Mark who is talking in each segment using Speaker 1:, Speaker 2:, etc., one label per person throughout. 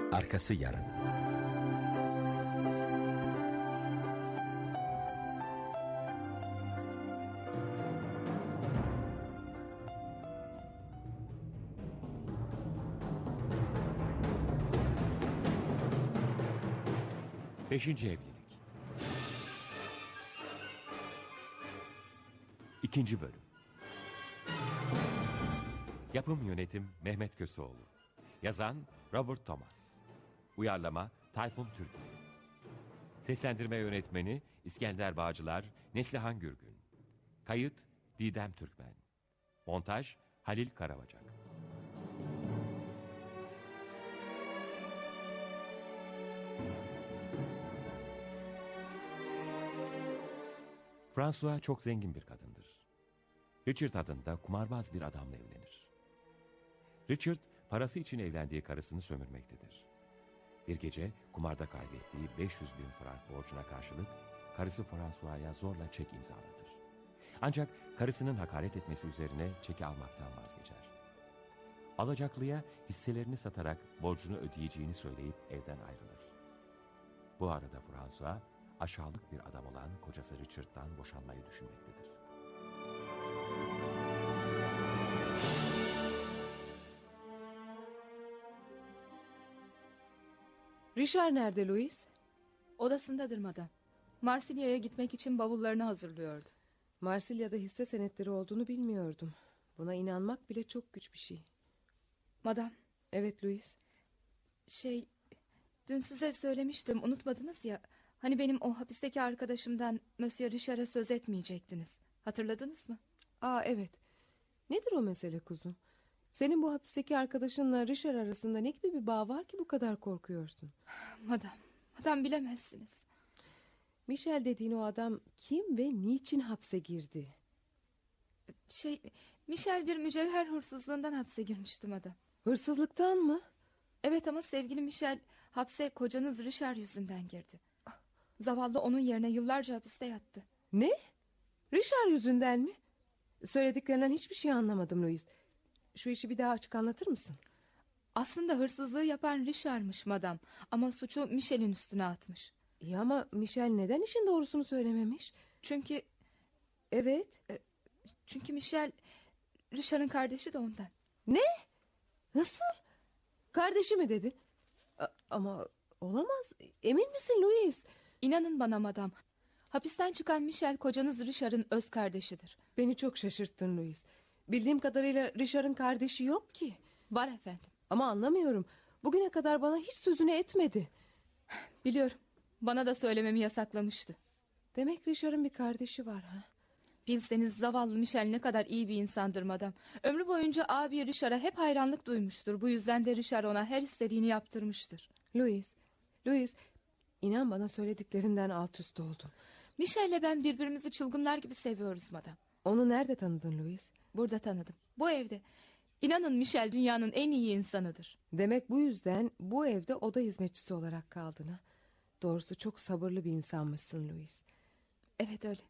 Speaker 1: Arkası yarın.
Speaker 2: Beşinci evlilik. İkinci bölüm. Yapım yönetim Mehmet Köseoğlu. Yazan Robert Thomas. Uyarlama Tayfun Türkmen. Seslendirme yönetmeni İskender Bağcılar, Neslihan Gürgün. Kayıt Didem Türkmen. Montaj Halil Karabacak. François çok zengin bir kadındır. Richard adında kumarbaz bir adamla evlenir. Richard, parası için evlendiği karısını sömürmektedir. Bir gece kumarda kaybettiği 500 bin frank borcuna karşılık karısı François'ya zorla çek imzalatır. Ancak karısının hakaret etmesi üzerine çeki almaktan vazgeçer. Alacaklıya hisselerini satarak borcunu ödeyeceğini söyleyip evden ayrılır. Bu arada François, aşağılık bir adam olan kocası Richard'dan boşanmayı düşünmektedir.
Speaker 3: Richard nerede Louis?
Speaker 4: Odasındadır madam. Marsilya'ya gitmek için bavullarını hazırlıyordu.
Speaker 3: Marsilya'da hisse senetleri olduğunu bilmiyordum. Buna inanmak bile çok güç bir şey.
Speaker 4: Madam.
Speaker 3: Evet Louis.
Speaker 4: Dün size söylemiştim, unutmadınız ya. Hani benim o hapisteki arkadaşımdan Monsieur Richard'a söz etmeyecektiniz. Hatırladınız mı?
Speaker 3: Evet. Nedir o mesele kuzum? Senin bu hapisteki arkadaşınla Richard arasında ne gibi bir bağ var ki bu kadar korkuyorsun?
Speaker 4: Madam bilemezsiniz.
Speaker 3: Michel dediğin o adam kim ve niçin hapse girdi?
Speaker 4: Michel bir mücevher hırsızlığından hapse girmişti madam.
Speaker 3: Hırsızlıktan mı?
Speaker 4: Evet ama sevgili Michel hapse kocanız Richard yüzünden girdi. Zavallı onun yerine yıllarca hapiste yattı.
Speaker 3: Ne? Richard yüzünden mi? Söylediklerinden hiçbir şey anlamadım Louis. Şu işi bir daha açık anlatır mısın?
Speaker 4: Aslında hırsızlığı yapan Richard'mış madam. Ama suçu Michel'in üstüne atmış.
Speaker 3: İyi ama Michel neden işin doğrusunu söylememiş?
Speaker 4: Çünkü...
Speaker 3: Evet.
Speaker 4: Çünkü Michel Richard'ın kardeşi de ondan.
Speaker 3: Ne? Nasıl? Kardeşi mi dedin? Ama olamaz. Emin misin Louis?
Speaker 4: İnanın bana madam. Hapisten çıkan Michel kocanız Richard'ın öz kardeşidir.
Speaker 3: Beni çok şaşırttın Louis. Bildiğim kadarıyla Richard'ın kardeşi yok ki.
Speaker 4: Var efendim.
Speaker 3: Ama anlamıyorum. Bugüne kadar bana hiç sözünü etmedi.
Speaker 4: Biliyorum. Bana da söylememi yasaklamıştı.
Speaker 3: Demek Richard'ın bir kardeşi var ha?
Speaker 4: Bilseniz zavallı Michel ne kadar iyi bir insandır madam. Ömrü boyunca abi Richard'a hep hayranlık duymuştur. Bu yüzden de Richard ona her istediğini yaptırmıştır.
Speaker 3: Louis, inan bana söylediklerinden alt üst oldum.
Speaker 4: Michel'le ben birbirimizi çılgınlar gibi seviyoruz madam.
Speaker 3: Onu nerede tanıdın Louis?
Speaker 4: Burada tanıdım. Bu evde. İnanın Michel dünyanın en iyi insanıdır.
Speaker 3: Demek bu yüzden bu evde oda hizmetçisi olarak kaldın ha? Doğrusu çok sabırlı bir insanmışsın Louis.
Speaker 4: Evet öyle.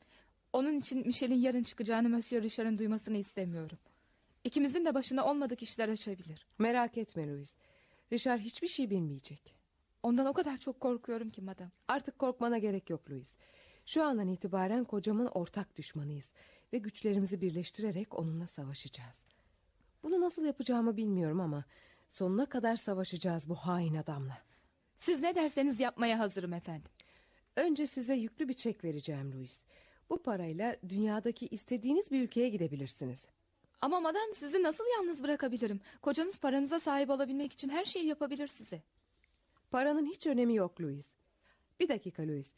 Speaker 4: Onun için Michel'in yarın çıkacağını Monsieur Richard'ın duymasını istemiyorum. İkimizin de başına olmadık işler açabilir.
Speaker 3: Merak etme Louis. Richard hiçbir şey bilmeyecek.
Speaker 4: Ondan o kadar çok korkuyorum ki madam.
Speaker 3: Artık korkmana gerek yok Louis. Şu andan itibaren kocamın ortak düşmanıyız. Ve güçlerimizi birleştirerek onunla savaşacağız. Bunu nasıl yapacağımı bilmiyorum ama sonuna kadar savaşacağız bu hain adamla.
Speaker 4: Siz ne derseniz yapmaya hazırım efendim.
Speaker 3: Önce size yüklü bir çek vereceğim Louis. Bu parayla dünyadaki istediğiniz bir ülkeye gidebilirsiniz.
Speaker 4: Ama madam sizi nasıl yalnız bırakabilirim? Kocanız paranıza sahip olabilmek için her şeyi yapabilir size.
Speaker 3: Paranın hiç önemi yok Louis. Bir dakika Louis.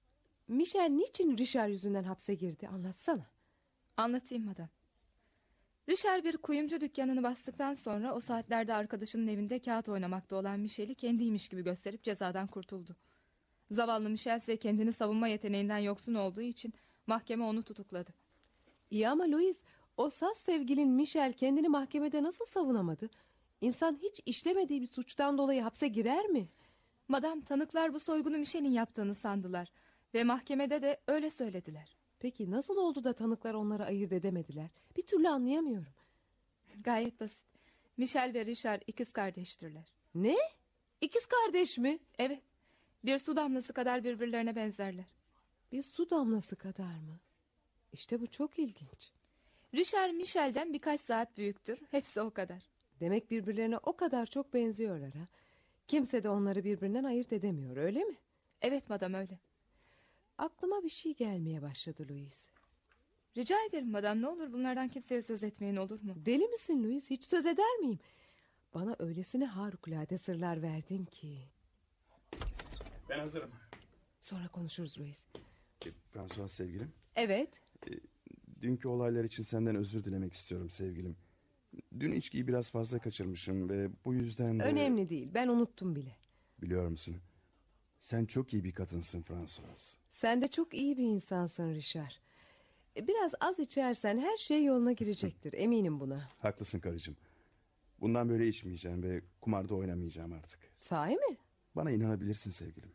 Speaker 3: Michel niçin Richard yüzünden hapse girdi anlatsana.
Speaker 4: Anlatayım madam. Richard bir kuyumcu dükkanını bastıktan sonra o saatlerde arkadaşının evinde kağıt oynamakta olan Michel'i kendiymiş gibi gösterip cezadan kurtuldu. Zavallı Michel ise kendini savunma yeteneğinden yoksun olduğu için mahkeme onu tutukladı.
Speaker 3: İyi ama Louis, o saf sevgilin Michel kendini mahkemede nasıl savunamadı? İnsan hiç işlemediği bir suçtan dolayı hapse girer mi?
Speaker 4: Madam tanıklar bu soygunu Michel'in yaptığını sandılar. Ve mahkemede de öyle söylediler.
Speaker 3: Peki nasıl oldu da tanıklar onları ayırt edemediler? Bir türlü anlayamıyorum.
Speaker 4: Gayet basit. Michel ve Richard ikiz kardeştirler.
Speaker 3: Ne? İkiz kardeş mi?
Speaker 4: Evet. Bir su damlası kadar birbirlerine benzerler.
Speaker 3: Bir su damlası kadar mı? İşte bu çok ilginç.
Speaker 4: Richard Michel'den birkaç saat büyüktür. Hepsi o kadar.
Speaker 3: Demek birbirlerine o kadar çok benziyorlar ha. Kimse de onları birbirinden ayırt edemiyor, öyle mi?
Speaker 4: Evet madam, öyle.
Speaker 3: Aklıma bir şey gelmeye başladı Louis.
Speaker 4: Rica ederim madam, ne olur bunlardan kimseye söz etmeyin, olur mu?
Speaker 3: Deli misin Louis? Hiç söz eder miyim? Bana öylesine harikulade sırlar verdin ki.
Speaker 1: Ben hazırım.
Speaker 3: Sonra konuşuruz Louis.
Speaker 1: François sevgilim.
Speaker 3: Evet.
Speaker 1: Dünkü olaylar için senden özür dilemek istiyorum sevgilim. Dün içkiyi biraz fazla kaçırmışım ve bu yüzden de...
Speaker 3: Önemli değil. Ben unuttum bile.
Speaker 1: Biliyor musun? Sen çok iyi bir kadınsın François.
Speaker 3: Sen de çok iyi bir insansın Richard. Biraz az içersen her şey yoluna girecektir. Eminim buna.
Speaker 1: Haklısın karıcığım. Bundan böyle içmeyeceğim ve kumarda oynamayacağım artık.
Speaker 3: Sahi mi?
Speaker 1: Bana inanabilirsin sevgilim.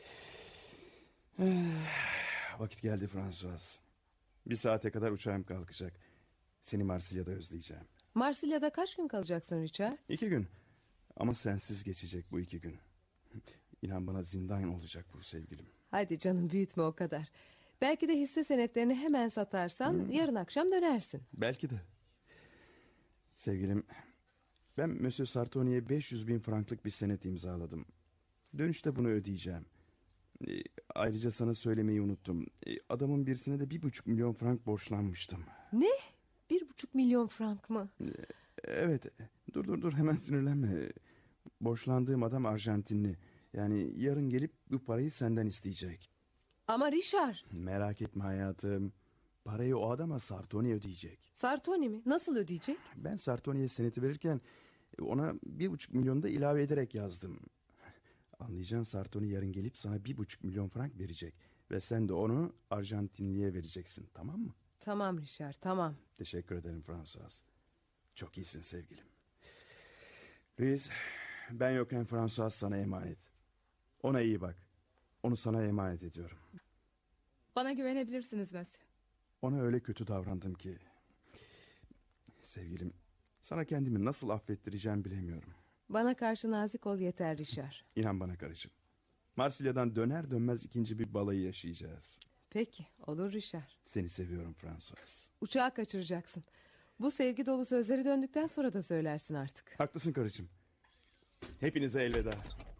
Speaker 1: Vakit geldi François. Bir saate kadar uçağım kalkacak. Seni Marsilya'da özleyeceğim.
Speaker 3: Marsilya'da kaç gün kalacaksın Richard?
Speaker 1: 2 gün. Ama sensiz geçecek bu 2 gün. İnan bana zindan olacak bu sevgilim.
Speaker 3: Hadi canım, büyütme o kadar. Belki de hisse senetlerini hemen satarsan yarın akşam dönersin.
Speaker 1: Belki de. Sevgilim, ben Monsieur Sartoni'ye 500 bin franklık bir senet imzaladım. Dönüşte bunu ödeyeceğim. Ayrıca sana söylemeyi unuttum. Adamın birisine de 1,5 milyon frank borçlanmıştım.
Speaker 3: Ne? 1,5 milyon frank mı?
Speaker 1: Evet, dur hemen sinirlenme. Borçlandığım adam Arjantinli. Yani yarın gelip bu parayı senden isteyecek.
Speaker 3: Ama Richard.
Speaker 1: Merak etme hayatım. Parayı o adama Sartoni ödeyecek.
Speaker 3: Sartoni mi? Nasıl ödeyecek?
Speaker 1: Ben Sartoni'ye seneti verirken ona 1,5 milyon da ilave ederek yazdım. Anlayacağın, Sartoni yarın gelip sana 1,5 milyon frank verecek. Ve sen de onu Arjantinli'ye vereceksin, tamam mı?
Speaker 3: Tamam Richard, tamam.
Speaker 1: Teşekkür ederim François. Çok iyisin sevgilim. Louis, ben yokken François sana emanet. Ona iyi bak. Onu sana emanet ediyorum.
Speaker 4: Bana güvenebilirsiniz Monsieur.
Speaker 1: Ona öyle kötü davrandım ki... Sevgilim, sana kendimi nasıl affettireceğim bilemiyorum.
Speaker 3: Bana karşı nazik ol yeter Richard.
Speaker 1: İnan bana karıcığım. Marsilya'dan döner dönmez ikinci bir balayı yaşayacağız.
Speaker 3: Peki, olur Richard.
Speaker 1: Seni seviyorum François.
Speaker 3: Uçağı kaçıracaksın. Bu sevgi dolu sözleri döndükten sonra da söylersin artık.
Speaker 1: Haklısın karıcığım. Hepinize elveda.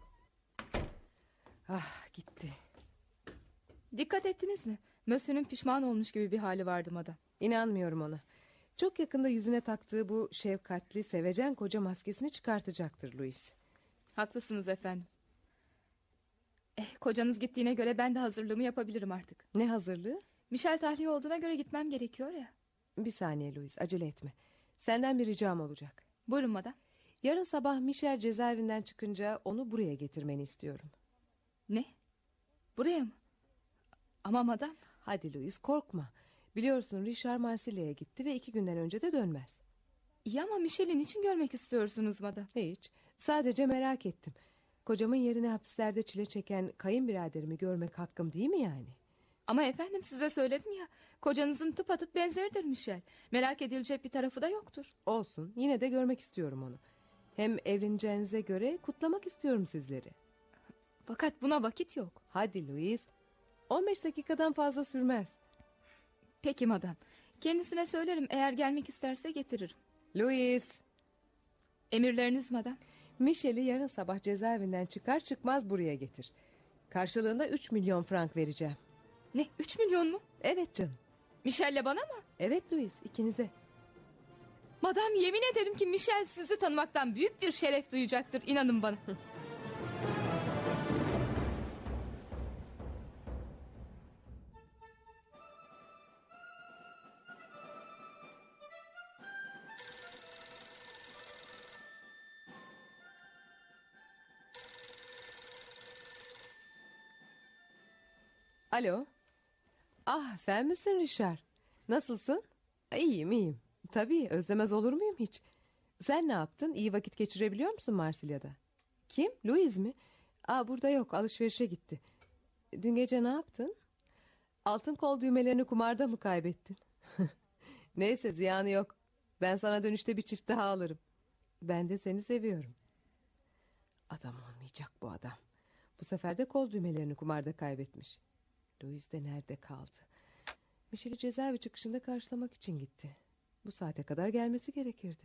Speaker 3: Ah, gitti.
Speaker 4: Dikkat ettiniz mi? Monsieur'ün pişman olmuş gibi bir hali vardı madam.
Speaker 3: İnanmıyorum ona. Çok yakında yüzüne taktığı bu şefkatli, sevecen koca maskesini çıkartacaktır Louis.
Speaker 4: Haklısınız efendim. Kocanız gittiğine göre ben de hazırlığımı yapabilirim artık.
Speaker 3: Ne hazırlığı?
Speaker 4: Michel tahliye olduğuna göre gitmem gerekiyor ya.
Speaker 3: Bir saniye Louis, acele etme. Senden bir ricam olacak.
Speaker 4: Buyurun madam.
Speaker 3: Yarın sabah Michel cezaevinden çıkınca onu buraya getirmeni istiyorum.
Speaker 4: Ne? Buraya mı? Ama madam.
Speaker 3: Hadi Louis, korkma. Biliyorsun Richard Marsilya'ya gitti ve 2 günden önce de dönmez.
Speaker 4: İyi ama Michel'i niçin görmek istiyorsunuz madam?
Speaker 3: Hiç. Sadece merak ettim. Kocamın yerine hapislerde çile çeken kayınbiraderimi görmek hakkım değil mi yani?
Speaker 4: Ama efendim, size söyledim ya. Kocanızın tıpatıp benzeridir Michel. Merak edilecek bir tarafı da yoktur.
Speaker 3: Olsun, yine de görmek istiyorum onu. Hem evleneceğinize göre kutlamak istiyorum sizleri.
Speaker 4: Fakat buna vakit yok.
Speaker 3: Hadi Louis, 15 dakikadan fazla sürmez.
Speaker 4: Peki madam. Kendisine söylerim, eğer gelmek isterse getiririm.
Speaker 3: Louis,
Speaker 4: Emirleriniz madam.
Speaker 3: Michel'i yarın sabah cezaevinden çıkar çıkmaz buraya getir. Karşılığında 3 milyon frank vereceğim.
Speaker 4: Ne, 3 milyon mu?
Speaker 3: Evet canım.
Speaker 4: Michel'le bana mı?
Speaker 3: Evet Louis, ikinize.
Speaker 4: Madam, yemin ederim ki Michel sizi tanımaktan büyük bir şeref duyacaktır, inanın bana.
Speaker 3: Alo. Ah, sen misin Richard? Nasılsın? İyiyim, iyiyim. Tabii, özlemez olur muyum hiç? Sen ne yaptın? İyi vakit geçirebiliyor musun Marsilya'da? Kim? Louis mi? Burada yok, alışverişe gitti. Dün gece ne yaptın? Altın kol düğmelerini kumarda mı kaybettin? Neyse, ziyanı yok. Ben sana dönüşte bir çift daha alırım. Ben de seni seviyorum. Adam olmayacak bu adam. Bu sefer de kol düğmelerini kumarda kaybetmiş. Louis de nerede kaldı? Michel'i cezaevi çıkışında karşılamak için gitti. Bu saate kadar gelmesi gerekirdi.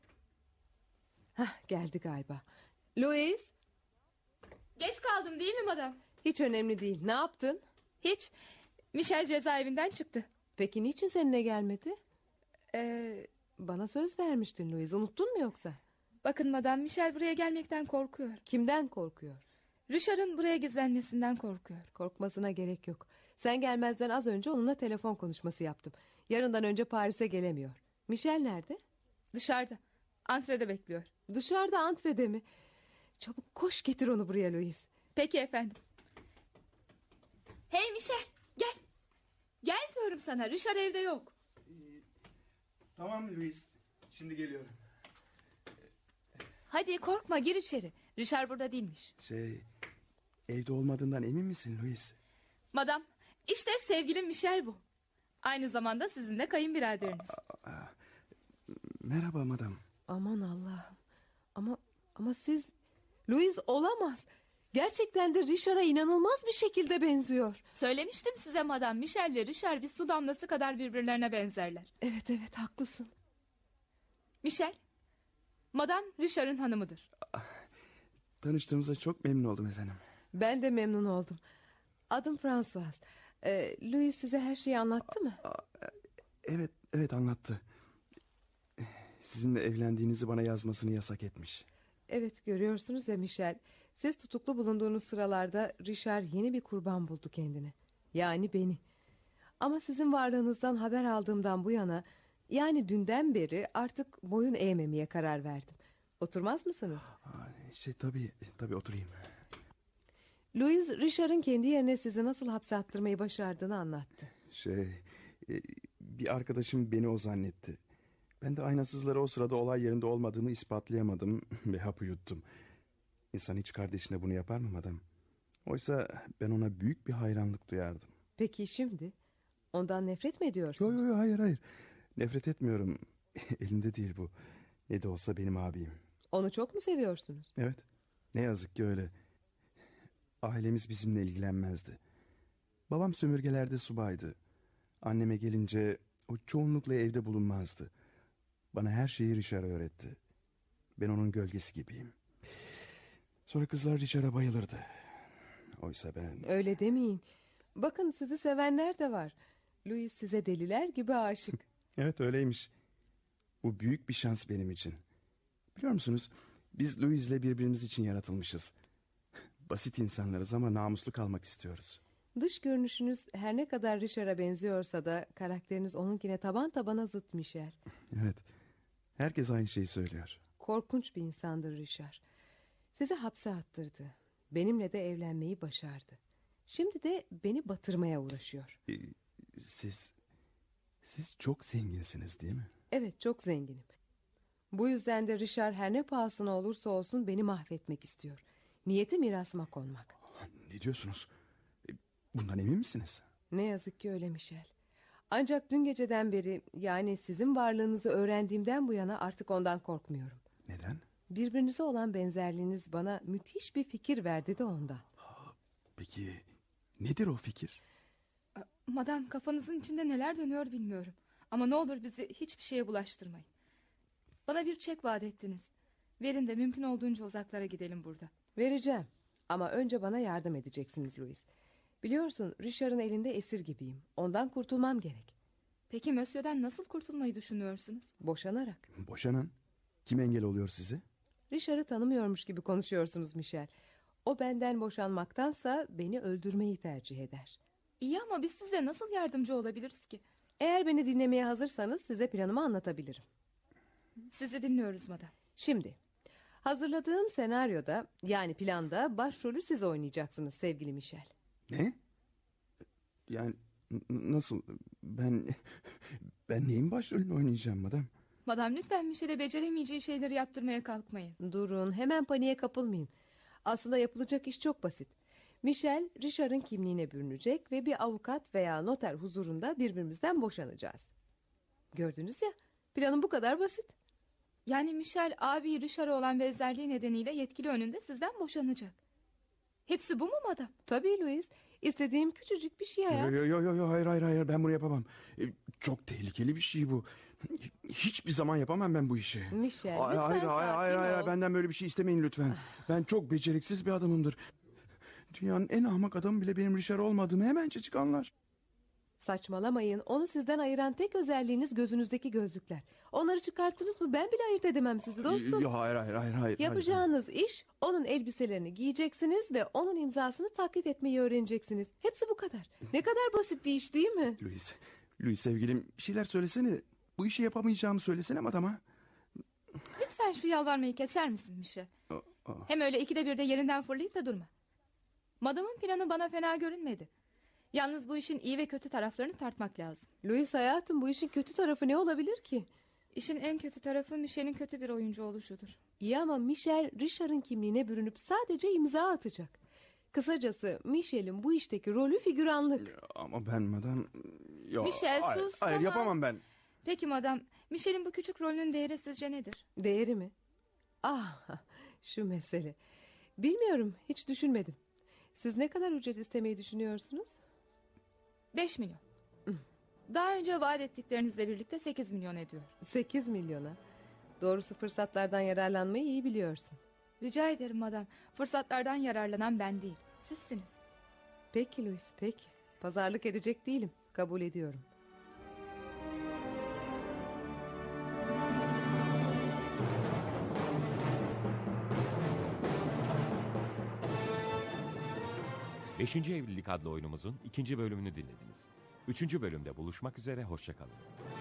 Speaker 3: Hah, geldi galiba. Louis,
Speaker 4: Geç kaldım değil mi madam?
Speaker 3: hiç önemli değil. Ne yaptın?
Speaker 4: Hiç. Michel cezaevinden çıktı.
Speaker 3: Peki niçin seninle gelmedi?
Speaker 4: Ee,
Speaker 3: Bana söz vermiştin Louis. Unuttun mu yoksa?
Speaker 4: Bakın madam, Michel buraya gelmekten korkuyor.
Speaker 3: Kimden korkuyor?
Speaker 4: Richard'ın buraya gizlenmesinden korkuyor.
Speaker 3: Korkmasına gerek yok. Sen gelmezden az önce onunla telefon konuşması yaptım. Yarından önce Paris'e gelemiyor. Michel nerede?
Speaker 4: Dışarıda. Antrede bekliyor.
Speaker 3: Dışarıda, antrede mi? Çabuk koş, getir onu buraya Louis.
Speaker 4: Peki efendim. Hey Michel, gel. Gel diyorum sana, Richard evde yok.
Speaker 1: Tamam Louis. Şimdi geliyorum.
Speaker 4: Hadi korkma, gir içeri. Richard burada değilmiş.
Speaker 1: Evde olmadığından emin misin Louis?
Speaker 4: Madam, işte sevgilim Michel bu. Aynı zamanda sizin de kayınbiraderiniz.
Speaker 1: Merhaba madam.
Speaker 3: Aman Allah'ım. Ama siz... Louis olamaz. Gerçekten de Richard'a inanılmaz bir şekilde benziyor.
Speaker 4: Söylemiştim size madam, Michel ile Richard bir su damlası kadar birbirlerine benzerler.
Speaker 3: Evet, haklısın.
Speaker 4: Michel, madam Richard'ın hanımıdır.
Speaker 1: Tanıştığımıza çok memnun oldum efendim.
Speaker 3: Ben de memnun oldum. Adım François. Louis size her şeyi anlattı mı?
Speaker 1: Evet anlattı. Sizinle evlendiğinizi bana yazmasını yasak etmiş.
Speaker 3: Evet, görüyorsunuz ya Michel. Siz tutuklu bulunduğunuz sıralarda Richard yeni bir kurban buldu kendine. Yani beni. Ama sizin varlığınızdan haber aldığımdan bu yana, yani dünden beri artık boyun eğmemeye karar verdim. Oturmaz mısınız?
Speaker 1: Tabii oturayım.
Speaker 3: Louis, Richard'ın kendi yerine sizi nasıl hapse attırmayı başardığını anlattı.
Speaker 1: Bir arkadaşım beni o zannetti. Ben de aynasızlara o sırada olay yerinde olmadığımı ispatlayamadım ve hapı yuttum. İnsan hiç kardeşine bunu yapar mı madem? Oysa ben ona büyük bir hayranlık duyardım.
Speaker 3: Peki şimdi? Ondan nefret mi ediyorsunuz?
Speaker 1: Yok, hayır. Nefret etmiyorum. Elimde değil bu. Ne de olsa benim abim.
Speaker 3: Onu çok mu seviyorsunuz?
Speaker 1: Evet. Ne yazık ki öyle. Ailemiz bizimle ilgilenmezdi. Babam sömürgelerde subaydı. Anneme gelince o çoğunlukla evde bulunmazdı. Bana her şeyi Richard öğretti. Ben onun gölgesi gibiyim. Sonra kızlar Richard'a bayılırdı. Oysa ben...
Speaker 3: Öyle demeyin. Bakın, sizi sevenler de var. Louis size deliler gibi aşık.
Speaker 1: Evet öyleymiş. Bu büyük bir şans benim için. Biliyor musunuz? Biz Louis'le birbirimiz için yaratılmışız. Basit insanlarız ama namuslu kalmak istiyoruz.
Speaker 3: Dış görünüşünüz her ne kadar Richard'a benziyorsa da karakteriniz onunkine taban tabana zıt Michel.
Speaker 1: Evet. Herkes aynı şeyi söylüyor.
Speaker 3: Korkunç bir insandır Richard. Sizi hapse attırdı. Benimle de evlenmeyi başardı. Şimdi de beni batırmaya uğraşıyor.
Speaker 1: Siz çok zenginsiniz değil mi?
Speaker 3: Evet, çok zenginim. Bu yüzden de Richard her ne pahasına olursa olsun beni mahvetmek istiyor. Niyeti mirasıma konmak.
Speaker 1: Ne diyorsunuz? Bundan emin misiniz?
Speaker 3: Ne yazık ki öyle Michel. Ancak dün geceden beri, yani sizin varlığınızı öğrendiğimden bu yana artık ondan korkmuyorum.
Speaker 1: Neden?
Speaker 3: Birbirinize olan benzerliğiniz bana müthiş bir fikir verdi de ondan.
Speaker 1: Peki nedir o fikir?
Speaker 4: Madam, kafanızın içinde neler dönüyor bilmiyorum. Ama ne olur bizi hiçbir şeye bulaştırmayın. Bana bir çek vaat ettiniz. Verin de mümkün olduğunca uzaklara gidelim burada.
Speaker 3: Vereceğim. Ama önce bana yardım edeceksiniz Louis. Biliyorsun, Richard'ın elinde esir gibiyim. Ondan kurtulmam gerek.
Speaker 4: Peki Monsieur'den nasıl kurtulmayı düşünüyorsunuz?
Speaker 3: Boşanarak.
Speaker 1: Boşanan? Kim engel oluyor size?
Speaker 3: Richard'ı tanımıyormuş gibi konuşuyorsunuz Michel. O benden boşanmaktansa beni öldürmeyi tercih eder.
Speaker 4: İyi ama biz size nasıl yardımcı olabiliriz ki?
Speaker 3: Eğer beni dinlemeye hazırsanız size planımı anlatabilirim.
Speaker 4: Sizi dinliyoruz madam.
Speaker 3: Şimdi, hazırladığım senaryoda, yani planda başrolü siz oynayacaksınız sevgili Michel.
Speaker 1: Ne? Yani nasıl? Ben neyin başrolünü oynayacağım madem?
Speaker 4: Madam, lütfen Michel'e beceremeyeceği şeyleri yaptırmaya kalkmayın.
Speaker 3: Durun, hemen paniğe kapılmayın. Aslında yapılacak iş çok basit. Michel, Richard'ın kimliğine bürünecek ve bir avukat veya noter huzurunda birbirimizden boşanacağız. Gördünüz ya, planım bu kadar basit.
Speaker 4: Yani Michel abi Richard'a olan benzerliği nedeniyle yetkili önünde sizden boşanacak. Hepsi bu mu madam?
Speaker 3: Tabii Louis. İstediğim küçücük bir şey hayat.
Speaker 1: Yo, hayır, ben bunu yapamam. Çok tehlikeli bir şey bu. Hiçbir zaman yapamam ben bu işi.
Speaker 3: Michel,
Speaker 1: Hayır,
Speaker 3: lütfen sakin
Speaker 1: hayır,
Speaker 3: ol.
Speaker 1: benden böyle bir şey istemeyin lütfen. Ben çok beceriksiz bir adamımdır. Dünyanın en ahmak adamı bile benim Richard olmadığımı hemencecik anlar.
Speaker 3: Saçmalamayın. Onu sizden ayıran tek özelliğiniz gözünüzdeki gözlükler. Onları çıkarttınız mı ben bile ayırt edemem sizi dostum.
Speaker 1: Yo, hayır.
Speaker 3: Yapacağınız iş onun elbiselerini giyeceksiniz ve onun imzasını taklit etmeyi öğreneceksiniz. Hepsi bu kadar. Ne kadar basit bir iş değil mi?
Speaker 1: Louis sevgilim, bir şeyler söylesene. Bu işi yapamayacağımı söylesene adama.
Speaker 4: Lütfen şu yalvarmayı keser misin Michel? Hem öyle ikide bir de yerinden fırlayıp da durma. Madamın planı bana fena görünmedi. Yalnız bu işin iyi ve kötü taraflarını tartmak lazım.
Speaker 3: Louis hayatım, bu işin kötü tarafı ne olabilir ki?
Speaker 4: İşin en kötü tarafı Michel'in kötü bir oyuncu oluşudur.
Speaker 3: İyi ama Michel Richard'ın kimliğine bürünüp sadece imza atacak. Kısacası Michel'in bu işteki rolü figüranlık.
Speaker 1: Ama ben madam... Yo,
Speaker 4: Michel, sus,
Speaker 1: Hayır,
Speaker 4: tamam.
Speaker 1: yapamam ben.
Speaker 4: Peki madam, Michel'in bu küçük rolünün değeri sizce nedir?
Speaker 3: Değeri mi? Ah, şu mesele. Bilmiyorum, hiç düşünmedim. Siz ne kadar ücret istemeyi düşünüyorsunuz?
Speaker 4: 5 milyon. Daha önce vaat ettiklerinizle birlikte 8 milyon ediyor.
Speaker 3: 8 milyona. Doğrusu fırsatlardan yararlanmayı iyi biliyorsun.
Speaker 4: Rica ederim madam. Fırsatlardan yararlanan ben değil, sizsiniz.
Speaker 3: Peki Louis, peki. Pazarlık edecek değilim. Kabul ediyorum.
Speaker 2: Beşinci Evlilik adlı oyunumuzun 2. bölümünü dinlediniz. 3. bölümde buluşmak üzere, hoşça kalın.